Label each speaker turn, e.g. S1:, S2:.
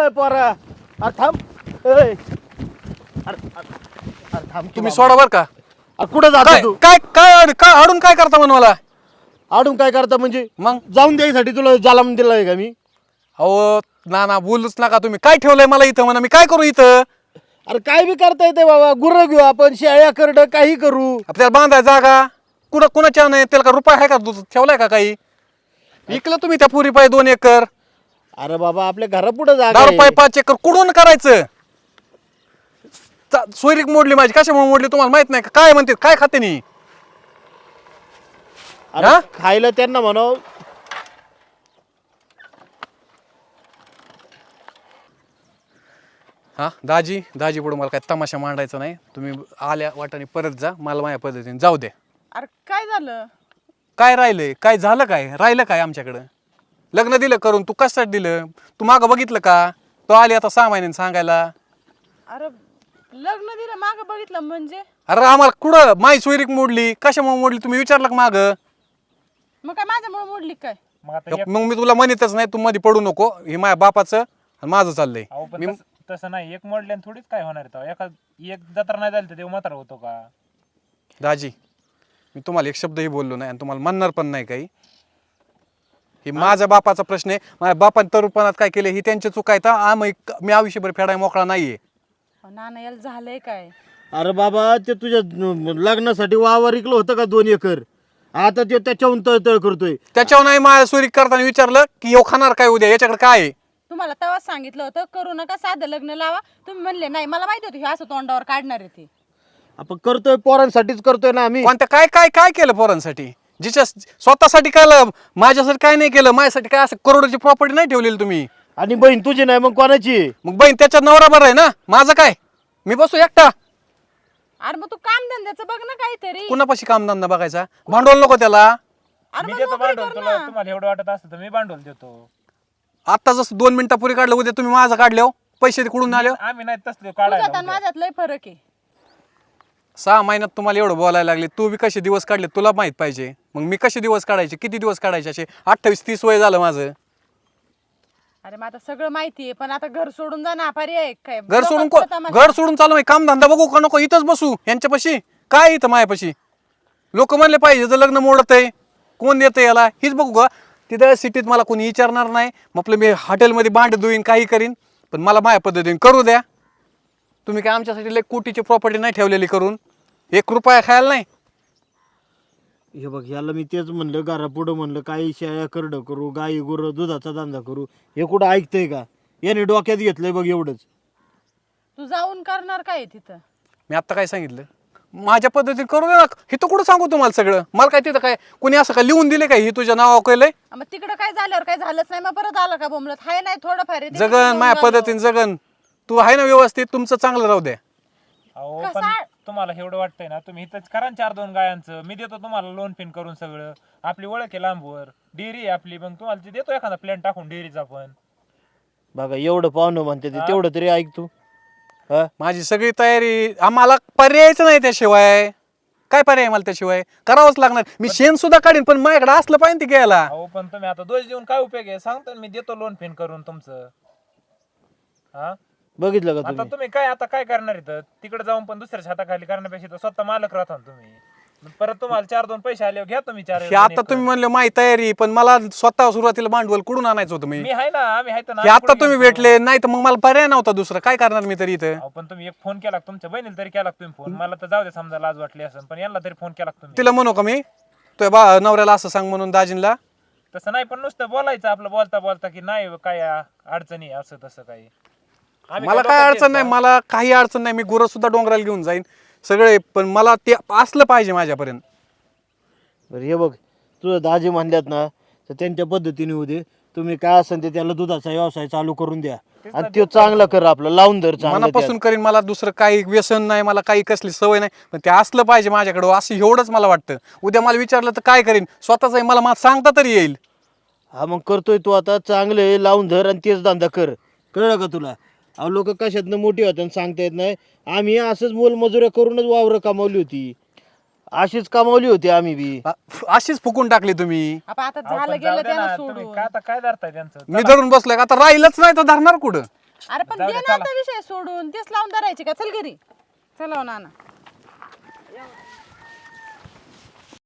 S1: अय पोरा अरे थांब अय अरे थांब
S2: तुम्ही सोडा बर का.
S1: कुठं जातो
S2: काय
S1: तू
S2: काय काय काय अडून काय करता म्हण मला.
S1: आडून काय करता म्हणजे
S2: मग
S1: जाऊन द्यायसाठी तुला जालाम दिलाय का मी?
S2: अहो ना बोलूच नका तुम्ही. काय ठेवलंय मला इथं म्हणा. मी काय करू इथं.
S1: अरे काय बी करता येते बाबा. गुरं घेऊ आपण, शेळ्या करड काही करू.
S2: आपल्याला बांधाय जागा कुणाच्या नाही. त्याला का रुपये आहे का ठेवलाय का काही. इकलं तुम्ही त्या पुरी पाय 2 एकर.
S1: अरे बाबा आपल्या घरापुढे जागा
S2: 10
S1: आहे.
S2: रुपये 5 एकर कुठून करायचं. सोयरीक मोडली माझी. कशामुळे मोडली तुम्हाला माहित नाही का. काय म्हणते काय खाते नी.
S1: अरे
S2: हा?
S1: खायला त्यांना म्हणाव.
S2: हा दाजी पुढे मला काय तमाशा मांडायचा नाही. तुम्ही आल्या वाटाने परत जा. मला माझ्या पद्धतीने जाऊ दे.
S3: अरे काय झालं?
S2: काय राहिलंय. काय झालं. काय राहिलं काय आमच्याकडं. लग्न दिलं करून. तू कशासाठी दिलं. तू मागं बघितलं का. तो आली आता 6 महिन्यांनी सांगायला.
S3: अरे लग्न दिलं मागं बघितलं म्हणजे?
S2: अरे आम्हाला कुठं माई सोयरीक मोडली. कशामुळे मोडली तुम्ही विचारलं का माग.
S3: मग काय माझ्यामुळे मोडली काय?
S2: मग मी तुला म्हणतच नाही. तू मध्ये पडू नको. हे माझ्या बापाचं आणि माझं चाललंय.
S4: पण तसं नाही. एक मोडल्यान थोडीच काय होणार आहे. एक जत्रा नाही झाली तर देव मात्र होतो का.
S2: दाजी मी तुम्हाला एक शब्दही बोललो नाही आणि तुम्हाला म्हणणार पण नाही काही. हे माझ्या बापाचा प्रश्न आहे. माझ्या बापाने तरुपणात काय केले ही त्यांची चूक आहे. तर मी आयुष्यभर फेडाय मोकळा नाहीये.
S3: नाना याला झालंय काय?
S1: अरे बाबा ते तुझ्या लग्नासाठी वावर इकलं होतं का 2 एकर. आता ते त्याच्याहून तळतळ करतोय.
S2: त्याच्यावर नाही माझ्या सोयरीक करताना विचारलं की येऊ खाणार काय उद्या याच्याकडे काय आहे.
S3: तुम्हाला तेव्हाच सांगितलं होतं करू नका, साधं लग्न लावा. तुम्ही म्हणले नाही. मला माहिती होतं हे असं तोंडावर काढणार आहे ते.
S1: आपण करतोय पोरांसाठीच करतोय ना आम्ही.
S2: कोणत्या काय काय काय केलं पोरांसाठी. जिच्या स्वतःसाठी काय माझ्यासाठी काय नाही केलं. माझ्यासाठी काय असं करोडची प्रॉपर्टी नाही ठेवलेली तुम्ही.
S1: आणि बहीण तुझी नाही मग कोणाची आहे?
S2: मग बहीण त्याच्या नवरा बरं आहे ना. माझं काय. मी बसू एकटा.
S3: अरे मग तू काम धंद्याचं बघ ना काहीतरी.
S2: कुणापाशी कामधंदा बघायचा. भांडवल नको त्याला.
S3: अरे
S4: मी
S3: मग
S4: देतो
S3: नोकरी
S4: भांडवल
S3: कर
S4: तुला.
S3: ना.
S4: तुम्हाला एवढं वाटत असतं तर मी भांडवल देतो.
S2: आता जसं 2 मिनिटापूर्वी काढलं उद्या तुम्ही माझं काढलं पैसे कुठून आले.
S4: आम्ही नाही तसले
S3: तुझ्यात आणि
S4: काढायला.
S3: माझ्यात लय फरक आहे.
S2: 6 महिन्यात तुम्हाला एवढं बोलायला लागले. तू बी कसे दिवस काढले तुला माहित पाहिजे. मग मी कसे दिवस काढायचे किती दिवस काढायचे असे 28-30 वय झालं माझं.
S3: अरे मग आता सगळं माहिती आहे पण आता घर सोडून जा ना. पर्याय काय?
S2: घर सोडून
S3: लोकं करतात तमाशा.
S2: घर सोडून चालू आहे. कामधंदा बघू का नको इथंच बसू यांच्यापाशी. काय इथं मायापाशी लोक म्हणले पाहिजे जर लग्न मोडत आहे कोण देतं याला हीच बघू का. तिथं सिटीत मला कोणी विचारणार नाही. मग आपलं मी हॉटेलमध्ये भांड धुईन काही करीन. पण मला माझ्या पद्धतीने करू द्या. तुम्ही काय आमच्यासाठी लय कोटीची प्रॉपर्टी नाही ठेवलेली करून. 1 रुपया खायला नाही.
S1: हे बघ याला मी तेच म्हणलं घरापुढं म्हणलं काही शेळ्या करड करू, गाई गुरं दुधाचा धंदा करू. हे कुठं ऐकतंय का. याने डोक्यात घेतलंय बघ एवढंच.
S3: तू जाऊन करणार काय तिथं?
S2: मी आत्ता काय सांगितलं माझ्या पद्धतीने करू दे ना. हे तर कुठं सांगू तुम्हाला सगळं. मला काय तिथं काय कोणी असं काय लिहून दिले काय ही तुझ्या नावावर केलंय.
S3: मग तिकडं काय झाल्यावर काय झालंच नाही मग परत आला का बोंबलत. हाय नाही थोडंफार आहे ते
S2: जगन
S3: घेऊन
S2: माझ्या
S3: झालं.
S2: पद्धतीने जगन. तू आहे ना व्यवस्थित तुमचं चांगलं राहू द्या.
S4: अहो
S3: कसा-
S4: पण तुम्हाला एवढं वाटतंय ना तुम्ही इथंच करा 4-2 गायांचं. मी देतो तुम्हाला लोन पिन करून सगळं. आपली ओळख आहे लांबवर. डेअरी आहे आपली. मग तुम्हाला ते देतो एखादा प्लॅन टाकून डेअरीचा पण.
S1: बघा एवढं पाहुणं म्हणते ते तेवढं तरी ऐक तू. हा
S2: माझी सगळी तयारी. आम्हाला पर्यायच नाही त्याशिवाय. काय पर्याय मला त्याशिवाय करावंच लागणार. मी शेण सुद्धा काढीन पण माझ्याकडे असलं पाहिजे ते घ्यायला.
S4: अहो पण तुम्ही आता दोष देऊन काय उपयोग आहे. सांगतो ना मी देतो लोन पिन करून तुमचं. हा
S1: बघितलं का
S4: आता
S1: तुम्ही.
S4: तुम्ही आता काय करणार इथं. तिकडे जाऊन पण दुसऱ्याच्या हाताखाली करण्यापेक्षा इथं स्वतः मालक राहता ना तुम्ही. मग परत तुम्हाला 4-2 पैसे आले घ्या तुम्ही 4
S2: हे आता तुम्ही म्हणले माझी तयारी पण मला स्वतः सुरुवातीला भांडवल कुठून आणायचं होतं. मी
S4: मी आहे ना. आम्ही आहे ना.
S2: हे आता तुम्ही भेटले नाही तर मग मला पर्याय नव्हता दुसरा. काय करणार मी तरी इथं.
S4: अहो पण तुम्ही एक फोन केला तुमच्या बहिणीला तरी केला तुम्ही फोन. मला तर जाऊ दे समजा लाज वाटली असं पण यांना तरी फोन केला तुम्ही.
S2: तिला म्हणू का मी तुझ्या नवऱ्याला असं सांग म्हणून दाजींला.
S4: तसं नाही पण नुसतं बोलायचं आपलं बोलता बोलता की नाही काय अडचणी असं तसं काही. आम्ही
S2: मला काय
S4: लोकांचे
S2: अडचण नाही.
S4: आहेत
S2: मला काही अडचण नाही. मी गुरं सुद्धा डोंगराला घेऊन जाईन सगळे. पण मला ते असलं पाहिजे माझ्यापर्यंत.
S1: बरं हे बघ तुझं दाजी म्हणल्यात ना तर त्यांच्या पद्धतीने होऊ दे. तुम्ही काय असेल ते त्याला दुधाचा व्यवसाय चालू करून द्या. आणि तो चांगला कर आपला लावून धर चांगलं
S2: मनापासून करीन. मला दुसरं काही व्यसन नाही. मला काही कसली सवय नाही. पण ते असलं पाहिजे माझ्याकडं असं एवढंच मला वाटतं. उद्या मला विचारलं तर काय करीन स्वतःच मला सांगता तरी येईल.
S1: हा मग करतोय तू आता चांगलं लावून धर आणि तेच धंदा कर. कळलं का तुला. अहो लोक कशातनं मोठी होतात सांगता येत नाही. आम्ही असंच मोलमजुऱ्या करूनच वावरं कमावली होती. अशीच कमावली होती आम्ही बी.
S2: अशीच फुकून टाकली तुम्ही.
S3: आता
S4: अहो,
S3: झालं
S4: पण जाऊ
S3: गेलं
S4: दे ना,
S3: त्यानं
S4: तुम्ही
S3: सोडून.
S4: काय आता काय धरताय त्यांचं.
S2: मी धरून बसलोय आता राहिलंच नाही तर धरणार कुठं.
S3: अरे पण
S4: जाऊ
S3: दे
S4: दे,
S3: ना
S4: चला.
S3: आता विषय सोडून तेच लावून धरायचे का चल घरी चला हो नाना